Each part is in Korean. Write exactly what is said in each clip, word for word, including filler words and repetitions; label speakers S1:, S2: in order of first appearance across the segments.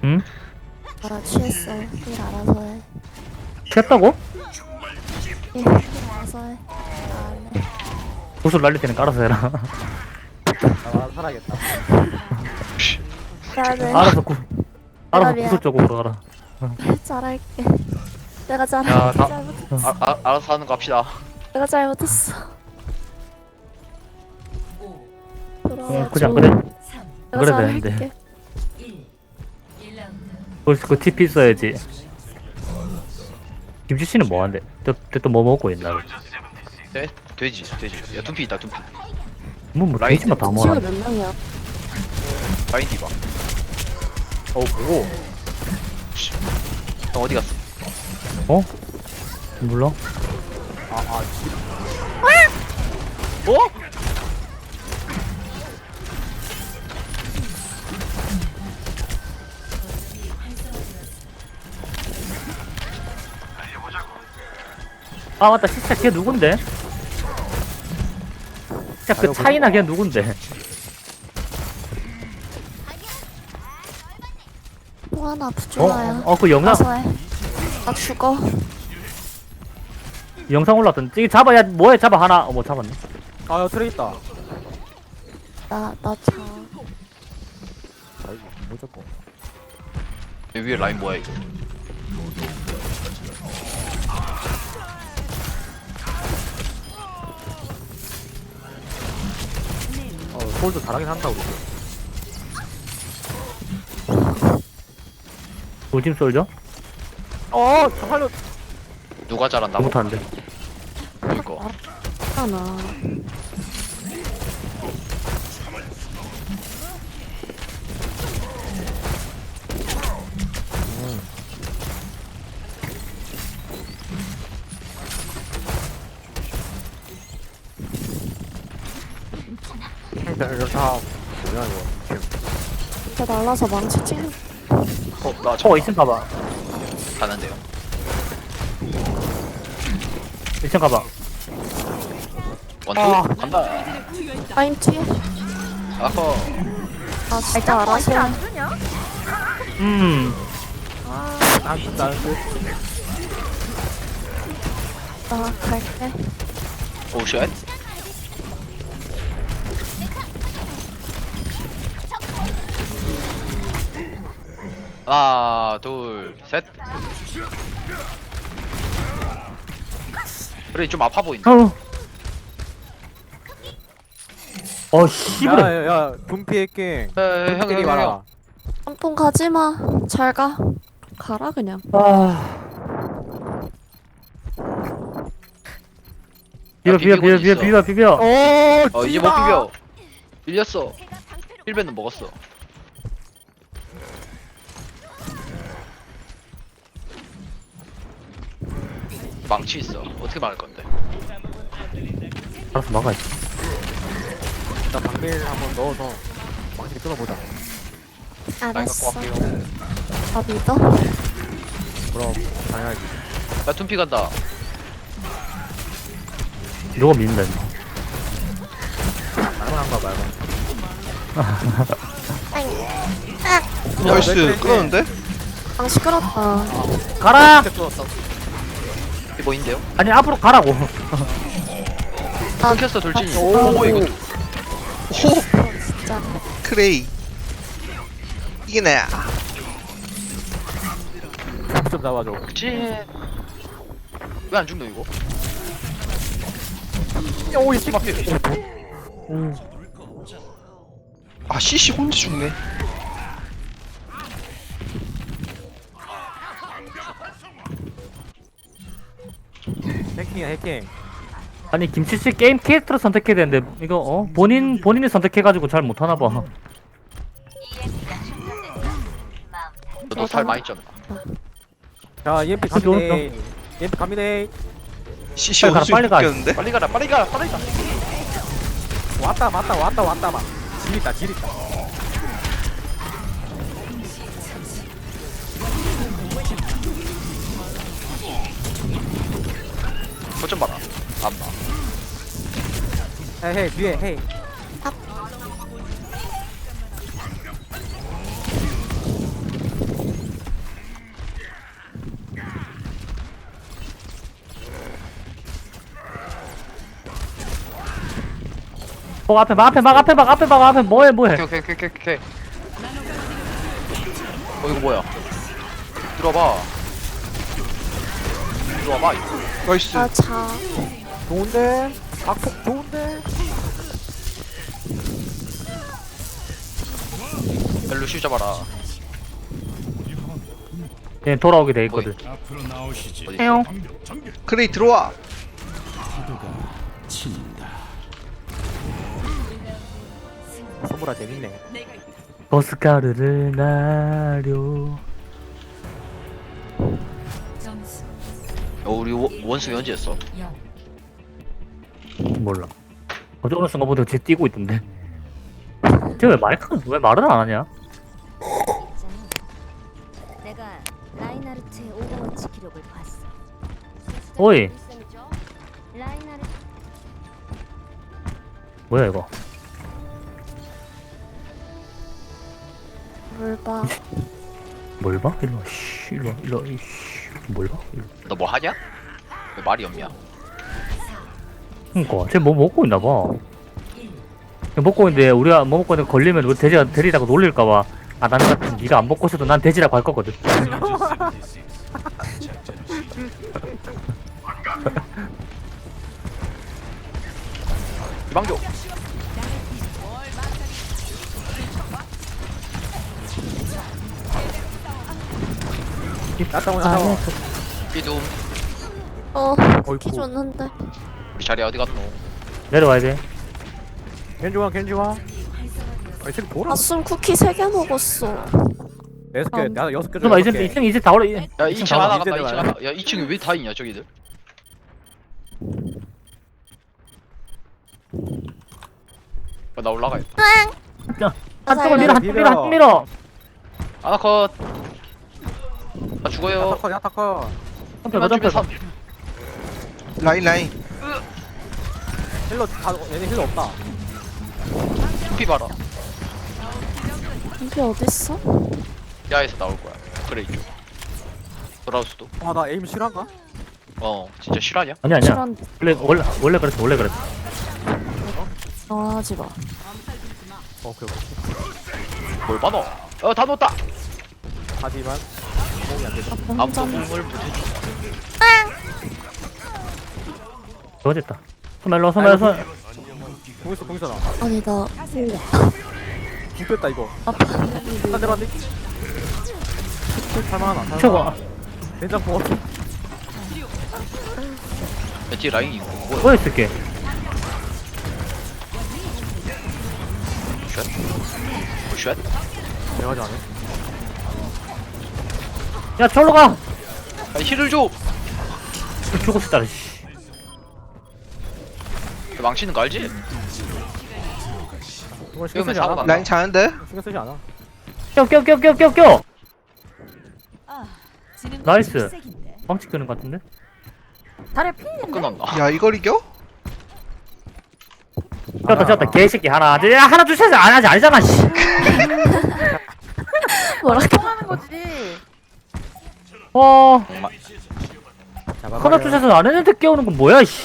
S1: 응?
S2: 아 취했어. 일 알아서 해.
S1: 취했다고?
S2: 일 알아서 해. 안 해.
S1: 구슬 날릴 때는 깔아서 해라.
S3: 아 살아야겠다.
S2: 나는
S1: 알아서 구 알아서
S2: 미안.
S1: 구슬 쪽으로 가라.
S2: 잘할게. 내가
S4: 야,
S2: 잘할게.
S4: 다-
S2: 잘못했어.
S4: 아, 아, 알아서 하는 거 합시다.
S2: 내가 잘못했어.
S1: 어,
S2: 돌아와줘.
S1: 굳이 안 그래?
S2: 내가
S1: 그래도
S2: 잘할게.
S1: 되는데. 그, 그 티피 써야지. 김치 씨는 뭐 한대? 또뭐 먹고 있나?
S4: 네? 돼지, 돼지. 야, 둔피 있다, 둔피.
S1: 뭐, 뭐,
S4: 라인
S1: 돼지만 다
S2: 지금
S1: 먹어.
S2: 몇 명이야?
S4: 라인 디바.
S3: 어 보고.
S4: 형 어디 갔어?
S1: 어? 몰라?
S3: 아아
S4: 어?
S1: 아, 맞다. 진짜 걔 누군데? 진짜 그
S3: 아이고,
S1: 차이나 걔 누군데?
S2: 또 하나
S1: 어?
S2: 부조화야.
S1: 어, 그 영상,
S2: 알아서 해. 나 죽어.
S1: 영상 올라왔던. 이거 잡아, 야, 뭐해, 잡아, 하나. 어, 뭐 잡았네.
S3: 아야 트레 있다.
S2: 나, 나 자.
S3: 아이고 뭐 잡고.
S4: 여기 위에 라인 뭐야, 이거?
S3: 어 솔도 잘하긴 한다 우리.
S1: 돌짐 쏠죠?
S3: 어 살려.
S4: 누가 잘한다고?
S1: 못하는데.
S4: 이거.
S2: 하나.
S3: 이거 다 뭐야 이거.
S2: 이렇게 날라서 망치 찍는.
S4: 어, 나
S1: 어,
S4: 잠깐
S1: 이층 가봐.
S4: 가는데요.
S1: 이층 가봐.
S4: 원투?
S3: 아.
S4: 간다.
S2: 라인 뒤에.
S4: 아허.
S2: 아 진짜 알아서 해.
S1: 음.
S3: 안 쓴다 안 쓴.
S2: 나 갈게.
S4: 오, 쉣. 하나, 둘, 셋. 그래, 좀 아파 보인다.
S1: 어. 어, 씨부래.
S3: 야야야 분피했게.
S4: 에, 형, 형,
S3: 분피리
S4: 형,
S3: 말아.
S4: 형.
S2: 한통 가지마. 잘 가. 가라 그냥.
S1: 아. 비벼, 비벼, 비벼, 비벼, 비벼, 비벼.
S3: 어
S4: 어, 이제 못 비벼. 밀렸어. 힐벤은 먹었어. 망치 있어. 어떻게 막을 건데?
S1: 알아서 막아야지.
S3: 나 방밀 한번 넣어서 망치를 끊어보자.
S4: 라인 갖고
S2: 알았어.
S4: 갈게요.
S2: 나 믿어.
S3: 그럼 당연하지.
S4: 나 둔피 간다.
S1: 누가 믿는다, 임마.
S3: 말만한가 말만.
S5: 나이스 끊었는데?
S2: 방 시끄럽다.
S1: 가라!
S4: 이게 뭐인데요?
S1: 아니, 앞으로 가라고.
S4: 끊겼어 돌진이.
S3: 오.
S4: 오, 이거
S5: 오
S2: 진짜.
S5: 크레이 이게 나야.
S3: 좀 잡아줘.
S4: 그치? 왜 안 죽노 이거?
S3: 오이 씨.
S4: 막혀.
S5: 아 씨씨 혼자 죽네.
S3: 해킹이야 해킹.
S1: 아니, 김치씨 게임 캐릭터를 선택해야 되는데, 이거, 어? 본인, 본인이 선택해가지고 잘 못하나봐.
S4: 너도 살 많이 쪘나?
S3: 자 이엠피
S1: 그쪽,
S3: 갑니다. 이엠피 갑니다.
S5: 씨씨
S1: 빨리 가라,
S5: 어디서
S1: 빨리 가.
S5: 죽겠는데?
S4: 빨리 가라 빨리 가라 빨리 가.
S3: 왔다 왔다 왔다 왔다 막. 질 있다 질 있다.
S4: 거좀 봐라. 안 봐.
S3: 헤이 헤이 뒤에 헤이.
S1: 어 앞에 막 앞에 막 앞에 막 앞에 막 앞에 뭐해 뭐해.
S4: 오케이 오케이 오케이 오케이 오케이. 어 이거 뭐야? 들어봐. 들어와봐. 이거.
S5: 나이스.
S2: 아, 자.
S3: 좋은데 각폭 좋은데.
S4: 루시 잡아라.
S1: 얘 돌아오게 돼 있거든.
S4: 어디?
S1: 해용.
S5: 그레이 들어와.
S3: 선물아 재밌네.
S1: 버스카르를 나려.
S4: 어 우리 원- 원숭이 언제 했어?
S1: 몰라. 어제 오늘 순간부터 쟤 뛰고 있던데. 쟤왜 마이크 왜 말을 안 하냐?
S6: 내가 라인하르트의 오버워치 기록을 봤어.
S1: 어이
S6: 라인하르트
S1: 뭐야 이거?
S2: 뭘 봐.
S1: 뭘 봐? 일로 와. 씨, 일로 와. 일로 와. 이씨. 뭘 봐? 일로. 와.
S4: 너 뭐 하냐? 왜 말이 없냐?
S1: 그니까 쟤 뭐 먹고 있나 봐. 먹고 있는데 우리가 뭐 먹고 있는데 걸리면 우리 돼지가 데리다가 놀릴까봐. 아 나는 같은 네가 안 먹고 있어도 난 돼지라고 할 거거든.
S4: 이방교.
S3: 나따 오나 따.
S4: 비둠.
S2: 어,
S3: 어이구.
S2: 키 줬는데.
S4: 우리 자리 어디 갔노?
S1: 내려와야 돼.
S3: 겐지와 겐지와. 아이 새끼 돌아.
S2: 아숨 쿠키 세 개 먹었어.
S3: 여섯 개.
S2: 음.
S3: 나 여섯 개.
S1: 그럼 이제 이층 이제 다 올라.
S4: 야 이 층
S1: 다
S4: 하나
S1: 올라.
S4: 간다. 이 층
S3: 이제
S4: 하나. 야 이 층에 왜 다 있냐 저기들? 어, 나 올라가야겠다.
S1: 한쪽을 밀어 한쪽 밀어 한쪽 밀어.
S4: 하나 컷. 나 죽어요.
S3: 야타커 야타커.
S1: 한쪽 몇
S4: 맞으면
S1: 점프?
S4: 삼.
S5: 라인 라인.
S3: 힐러 다 얘네 힐러 없다.
S4: 피 봐라.
S2: 이게 어딨어?
S4: 야에서 나올 거야. 그래 이쪽. 돌아올 수도.
S3: 아 나 에임 실한가?
S4: 어 진짜 실화냐?
S1: 아니 아니야.
S2: 실한
S1: 원래 원래 원래 그랬어 원래 그랬어.
S2: 어, 하지 마.
S3: 오케이 오케이.
S4: 뭘 봐너? 어다 놓았다.
S3: 하지만 공이 안 되죠.
S4: 아무도
S2: 혼자는
S4: 공을 못해줘.
S1: 좋아졌다. 소멜로 소멜로 소.
S3: 공 있어 공 있어 나.
S2: 아니 나
S3: 공 뺐다 이거.
S2: 아파.
S3: 한 대만 돼. 살만하나?
S1: 저거
S3: 된장국 없어.
S4: 야, 뒤에 라인이 있고 뭐야?
S1: 뭐 있을게.
S4: 쉣? 뭐 쉣?
S3: 내가 하지 않아.
S1: 야 저로 가.
S4: 아 힐을 줘.
S1: 죽었다. 씨.
S4: 그 망치는 거 알지?
S3: 이건 신경 쓰지
S4: 이러면
S3: 않아.
S4: 사고가
S5: 라인 자는데?
S3: 신경 쓰지 않아.
S1: 껴껴껴껴껴 껴. 나이스. 방치 끄는 것 같은데?
S4: 끊었나?
S5: 야 이걸 이겨?
S1: 쳤다 쳤다 개새끼 하나. 야 하나 주셔서 안 하지 아니잖아. 씨.
S2: 뭐라
S1: 어
S3: 잡아버려.
S1: 하나 주셔서 안 했는데 깨우는 건 뭐야? 씨.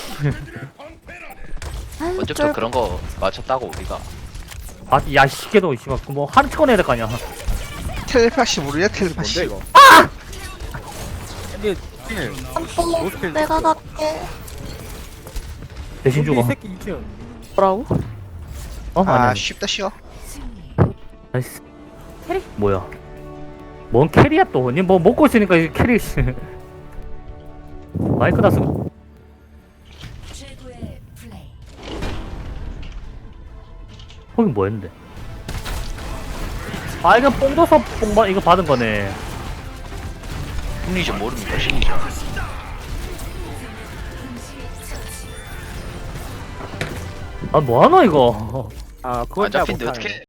S4: 언제부터 그런 거 맞췄다고 우리가?
S1: 아, 야, 시계도, 씨발, 뭐, 한 찍어 내야 될 거 아니야.
S5: 텔레파시 모르냐
S3: 뭔데
S5: 텔레파시?
S3: 이거? 아! 근데 힐.
S2: 짬뽕 내가 갈게.
S1: 대신
S3: 근데 이
S1: 죽어.
S3: 새끼 이 층.
S2: 뭐라고?
S1: 어?
S5: 아
S1: 아니야.
S5: 쉽다 쉬워.
S1: 나이스. 캐리? 뭐야? 뭔 캐리야 또? 니 뭐 먹고 있으니까 이게 캐리, 씨. 마이크 다 쓰고. 거긴 뭐였는데? 아, 이거 뽕 줘서 뽕, 받- 이거 받은 거네.
S4: 심리전 모릅니까 심리전?
S1: 아, 뭐하노, 이거?
S3: 아 그건
S4: 안
S3: 내가
S4: 잡힌데
S3: 못하네.
S4: 어떻게?